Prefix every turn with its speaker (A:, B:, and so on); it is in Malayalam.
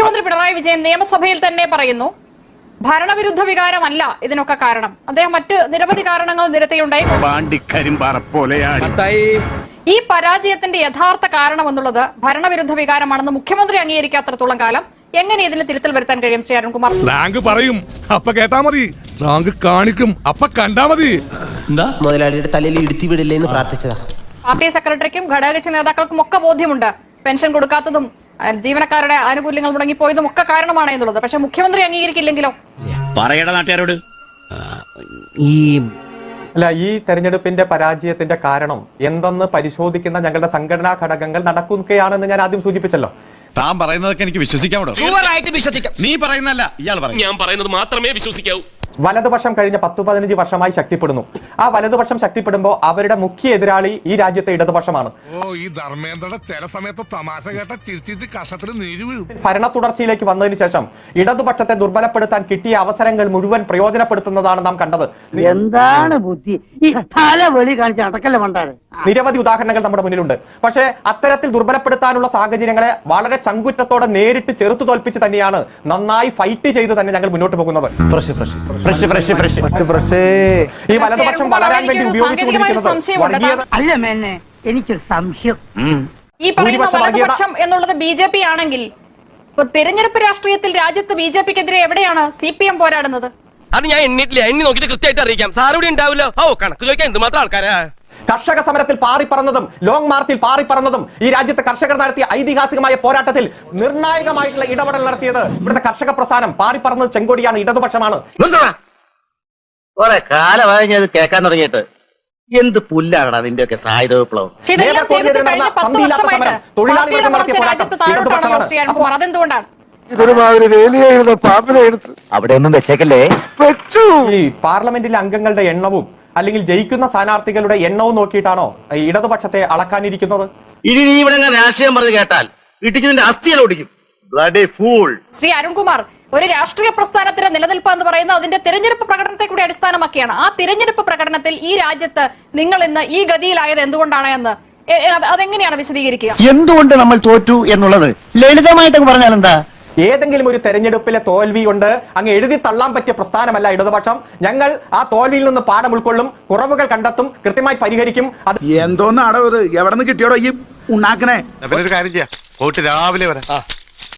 A: മുഖ്യമന്ത്രി പിണറായി വിജയൻ നിയമസഭയിൽ തന്നെ പറയുന്നു ഭരണവിരുദ്ധ വികാരമല്ല ഇതിനൊക്കെ കാരണം. അദ്ദേഹം മറ്റ് നിരവധി കാരണങ്ങൾ നിരത്തിയുണ്ടായി. ഈ പരാജയത്തിന്റെ യഥാർത്ഥ കാരണം എന്നുള്ളത് ഭരണവിരുദ്ധ വികാരമാണെന്ന് മുഖ്യമന്ത്രി അംഗീകരിക്കാത്തടത്തോളം കാലം എങ്ങനെ ഇതിൽ തിരുത്തൽ വരുത്താൻ കഴിയും? ശ്രീ അരുൺകുമാർ
B: പറയും അപ്പ കേട്ടാ മതി, കാണിക്കും അപ്പ കണ്ടാ മതി.
C: മുതലാളിയുടെ തലയിൽ ഇടുത്തി വിടില്ലേ എന്ന് പ്രാർത്ഥിച്ചതാ.
A: പാർട്ടി സെക്രട്ടറിക്കും ഘടകകക്ഷി നേതാക്കൾക്കും ഒക്കെ ബോധ്യമുണ്ട് പെൻഷൻ കൊടുക്കാത്തതും ജീവനക്കാരുടെ ആനുകൂല്യങ്ങൾ മുടങ്ങിപ്പോയതും ഒക്കെ കാരണമാണ് എന്നുള്ളത്. പക്ഷെ മുഖ്യമന്ത്രി അംഗീകരിക്കില്ലെങ്കിലോ?
D: പറയട നാട്ടുകാരോട്.
E: ഈ തെരഞ്ഞെടുപ്പിന്റെ പരാജയത്തിന്റെ കാരണം എന്തെന്ന് പരിശോധിക്കുന്ന ഞങ്ങളുടെ സംഘടനാ ഘടകങ്ങൾ നടക്കുകയാണെന്ന് ഞാൻ ആദ്യം സൂചിപ്പിച്ചല്ലോ.
F: താൻ പറയുന്നതൊക്കെ എനിക്ക് വിശ്വസിക്കാൻ. നീ പറയുന്നല്ല, ഇയാൾ പറയും. ഞാൻ പറയുന്നത് മാത്രമേ വിശ്വസിക്കാവൂ.
E: വലതുപക്ഷം കഴിഞ്ഞ 10-15 വർഷമായി ശക്തിപ്പെടുന്നു. ആ വലതുപക്ഷം ശക്തിപ്പെടുമ്പോൾ അവരുടെ മുഖ്യ എതിരാളി ഈ രാജ്യത്തെ ഇടതുപക്ഷമാണ്. ഭരണ തുടർച്ചയിലേക്ക് വന്നതിന് ശേഷം ഇടതുപക്ഷത്തെ ദുർബലപ്പെടുത്താൻ കിട്ടിയ അവസരങ്ങൾ മുഴുവൻ പ്രയോജനപ്പെടുത്തുന്നതാണ് നാം കണ്ടത്.
G: എന്താണ് ബുദ്ധി ഈ തലവെളി കാണിച്ച് അടക്കല്ലേ മണ്ടാരെ?
E: നിരവധി ഉദാഹരണങ്ങൾ നമ്മുടെ മുന്നിലുണ്ട്. പക്ഷേ അത്തരത്തിൽ ദുർബലപ്പെടുത്താനുള്ള സാഹചര്യങ്ങളെ വളരെ ചങ്കുറ്റത്തോടെ നേരിട്ട് ചെറുത്തു തോൽപ്പിച്ച് തന്നെയാണ്, നന്നായി ഫൈറ്റ് ചെയ്ത് തന്നെ ഞങ്ങൾ മുന്നോട്ട് പോകുന്നത്. ഈ വലതുപക്ഷം വളരാൻ വേണ്ടി ഉപയോഗിച്ചുകൊണ്ടിരിക്കുന്നത്
G: അല്ല മേന്നെ, എനിക്കൊരു സംശയം.
A: ഈ പറയുന്ന വലതുപക്ഷം എന്നുള്ളത് BJP ആണെങ്കിൽ തെരഞ്ഞെടുപ്പ് രാഷ്ട്രീയത്തിൽ രാജ്യത്ത് BJPക്കെതിരെ എവിടെയാണ് CPM പോരാടുന്നത്?
D: അത് ഞാൻ എണ്ണിട്ടില്ല, എണ്ണി നോക്കിയിട്ട് കൃത്യമായിട്ട് അറിയിക്കാം. സാറൂടെ ഉണ്ടാവില്ലോ. കണക്ക് ചോദിക്കാൻ എന്തുമാത്രം ആൾക്കാരാ.
E: കർഷക സമരത്തിൽ പാറിപ്പറന്നതും ലോങ് മാർച്ചിൽ പാറിപ്പറന്നതും ഈ രാജ്യത്തെ കർഷകർ നടത്തിയ ഐതിഹാസികമായ പോരാട്ടത്തിൽ നിർണായകമായിട്ടുള്ള ഇടപെടൽ നടത്തിയത് ഇവിടുത്തെ കർഷക പ്രസ്ഥാനം. പാറിപ്പറന്നത് ചെങ്കോടിയാണ്, ഇടതുപക്ഷമാണ്.
C: കുറെ കാലമായി ഞാൻ കേൾക്കാൻ തുടങ്ങിയിട്ട്. എന്ത് പുല്ലാണ് അതിന്റെയൊക്കെ സായുധ വിപ്ലവം.
E: തൊഴിലാളികൾക്ക് നടത്തിയ പോരാട്ടം ഇടതുപക്ഷമാണ്.
C: അവിടെ ഒന്നും വെച്ചേക്കല്ലേ.
E: ഈ പാർലമെന്റിലെ അംഗങ്ങളുടെ എണ്ണവും അല്ലെങ്കിൽ ജയിക്കുന്ന സ്ഥാനാർത്ഥികളുടെ എണ്ണവും നോക്കിയിട്ടാണോ ഇടതുപക്ഷത്തെ അളക്കാനിരിക്കുന്നത്?
C: ഇനി നീ ഇവിടെ രാഷ്ട്രീയം പറഞ്ഞു കേട്ടാൽ ഇടിക്കുന്നതിന്റെ അസ്ഥികൾ ഓടിക്കും.
A: ശ്രീ അരുൺകുമാർ, ഒരു രാഷ്ട്രീയ പ്രസ്ഥാനത്തിന്റെ നിലനിൽപ്പ് എന്ന് പറയുന്നത് അതിന്റെ തിരഞ്ഞെടുപ്പ് പ്രകടനത്തെ കൂടി അടിസ്ഥാനമാക്കിയാണ്. ആ തിരഞ്ഞെടുപ്പ് പ്രകടനത്തിൽ ഈ രാജ്യത്ത് നിങ്ങൾ ഇന്ന് ഈ ഗതിയിലായത് എന്തുകൊണ്ടാണ് എന്ന് അതെങ്ങനെയാണ് വിശദീകരിക്കുക?
G: എന്തുകൊണ്ട് നമ്മൾ തോറ്റു എന്നുള്ളത് ലളിതമായിട്ട് പറഞ്ഞാൽ എന്താ?
E: ഏതെങ്കിലും ഒരു തെരഞ്ഞെടുപ്പിലെ തോൽവി കൊണ്ട് അങ്ങ് എഴുതി തള്ളാൻ പറ്റിയ പ്രസ്ഥാനമല്ല ഇടതുപക്ഷം. ഞങ്ങൾ ആ തോൽവിയിൽ നിന്ന് പാഠം ഉൾക്കൊള്ളും, കുറവുകൾ കണ്ടെത്തും, കൃത്യമായി പരിഹരിക്കും. അത്
B: എന്തോന്നാടോ ഇത്? എവിടെ നിന്ന് കിട്ടിയോടോ ഈ ഉണ്ടാക്കണേ?
F: കാര്യം ചെയ്യാം, രാവിലെ വരാം.